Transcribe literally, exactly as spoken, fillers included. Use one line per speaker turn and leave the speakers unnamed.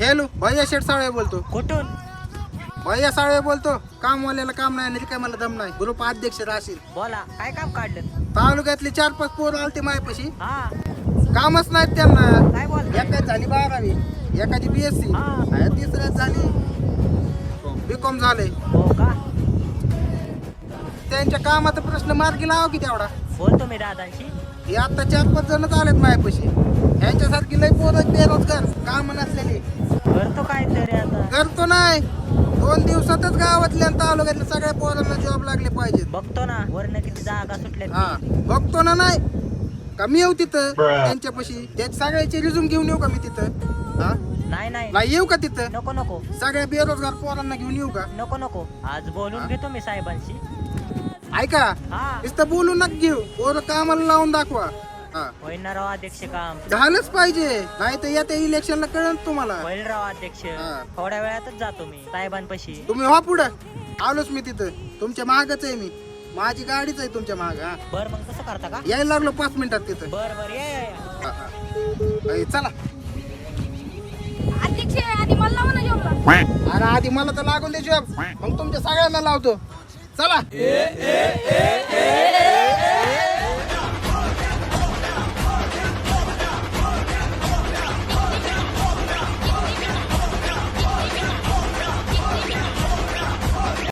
Hello, भैया शेठ साळवे बोलतो.
कुठून?
भैया साळवे बोलतो. कामवाल्याला काम नाही आणि काय मला दम नाही. ग्रुप अध्यक्ष राशील.
बोला, काय काम काढलं?
तालुक्यातले चार पाच पोर आलते मायापाशी.
हा,
कामच नाहीत त्यांना.
काय बोलताय?
एकाच झाली बारावी, एकाची बीएससी,
हा.
तिसऱ्याच झाली बीकॉम झाले.
हो का?
त्यांच्या कामाचा प्रश्न मार्गी लावा की तेवढा.
बोलतो मी दादांशी.
हे आता चार पाच जणच आलेत मायापाशी. यांच्यासारखी लय पोरं बेरोजगार, काम नसलेली.
करतो काय तरी आता.
करतो नाही, दोन दिवसातच गावातल्या आणि तालुक्यातल्या सगळ्या पोरांना जॉब लागले पाहिजेत.
बघतो ना वरनं किती जागा सुटल्या.
हा, बघतो ना. नाही का मी येऊ तिथं त्यांच्यापाशी, त्या सगळ्याचे रिझ्यूम घेऊन येऊ का मी तिथं? हा,
नाही नाही
नाही येऊ का तिथं?
नको नको
सगळ्या बेरोजगार पोरांना घेऊन येऊ का?
नको नको आज बोलून घेतो मी साहेबांशी.
ऐका,
हा,
नुसतं बोलू नका घेऊ, पोरं कामाला लावून दाखवा. हा,
होईल ना राव अध्यक्ष काम.
झालंच पाहिजे, नाही तर येत्या इलेक्शनला कळन तुम्हाला.
होईल राव अध्यक्ष.
हा.
थोड्या वेळातच जातो मी साहेबांपाशी.
तुम्ही हो पुढं, आलोच मी तिथं. तुमच्या मागच आहे मी, माझी गाडीच आहे तुमच्या माग. हा,
बर मग कसं करता का?
यायला लागलो पाच मिनिटात तिथं.
बर बर ये ये, ये.
हा, हा. ए, चला.
अध्यक्ष आणि मला लावा ना जॉबला.
अरे आधी मला तर लागून दे जॉब, मग तुमच्या सगळ्यांना लावतो. चला.